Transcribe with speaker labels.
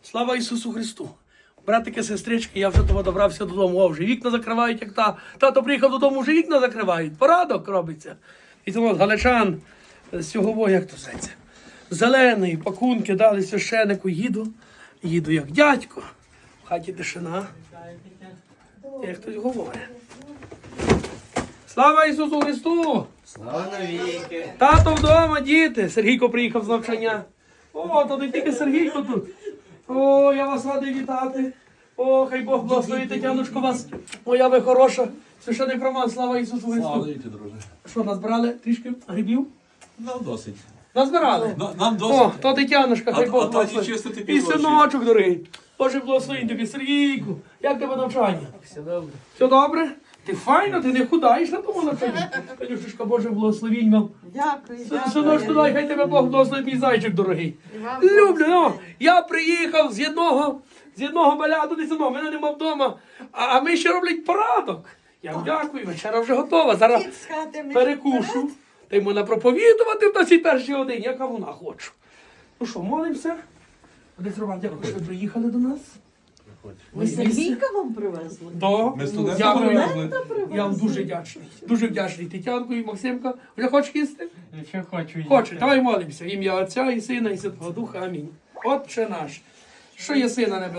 Speaker 1: Слава Ісусу Христу! Братики, сестрички, я вже того добрався додому. О, вже вікна закривають, як тато приїхав додому, вже вікна закривають. Порадок робиться. І тому галичан з цього, як то зветься, зелений, пакунки дали священику, їду як дядько. В хаті тишина. Як хтось говорить. Слава Ісусу Христу!
Speaker 2: Слава навіки!
Speaker 1: Тато вдома, діти. Сергійко приїхав з навчання. О, то не тільки Сергійко тут. О, я вас радий вітати. О, хай Бог благословить, Тетяночко, вас. Моя ви хороша. Священик Роман, слава Ісусу Христу.
Speaker 2: Слава навіки, друже.
Speaker 1: Що, назбирали трішки грибів?
Speaker 2: Нам досить.
Speaker 1: Назбирали?
Speaker 2: Нам досить.
Speaker 1: О, то Тетяночка, хай
Speaker 2: А
Speaker 1: Бог
Speaker 2: таті
Speaker 1: благословить.
Speaker 2: чистити
Speaker 1: І
Speaker 2: півночі.
Speaker 1: синочок, дорогий. Боже, благословень тобі, Сергійку. Як тебе навчання?
Speaker 3: Все добре.
Speaker 1: Все добре? Ти файно, ти не худаєш на тому навчанні. Танюшечка, Боже, благословінь вам.
Speaker 4: Дякую,
Speaker 1: Синочку, дай, хай тебе Бог благословить, мій зайчик дорогий. Люблю, ну, я приїхав з одного баляту, десь одного, мене нема вдома, а ми ще роблять порадок. Я вам дякую, вечера вже готова. Зараз перекушу. Та й можна проповідувати в цій першій годині, яка вона хочу. Ну що, молимося? Отець Роман, дякую, що ви приїхали до нас.
Speaker 4: Ви Сергійка вам привезли?
Speaker 1: Да.
Speaker 2: Ми студента
Speaker 1: Дякую.
Speaker 2: привезли.
Speaker 1: Я вам дуже вдячний. Дуже вдячний Тетянку і Максимка. Вже хочеш їсти?
Speaker 3: Якщо хочу.
Speaker 1: Хоче, давай молимося. В ім'я Отця і Сина і Святого Духа. Амінь. Отче наш, що є сина небесного.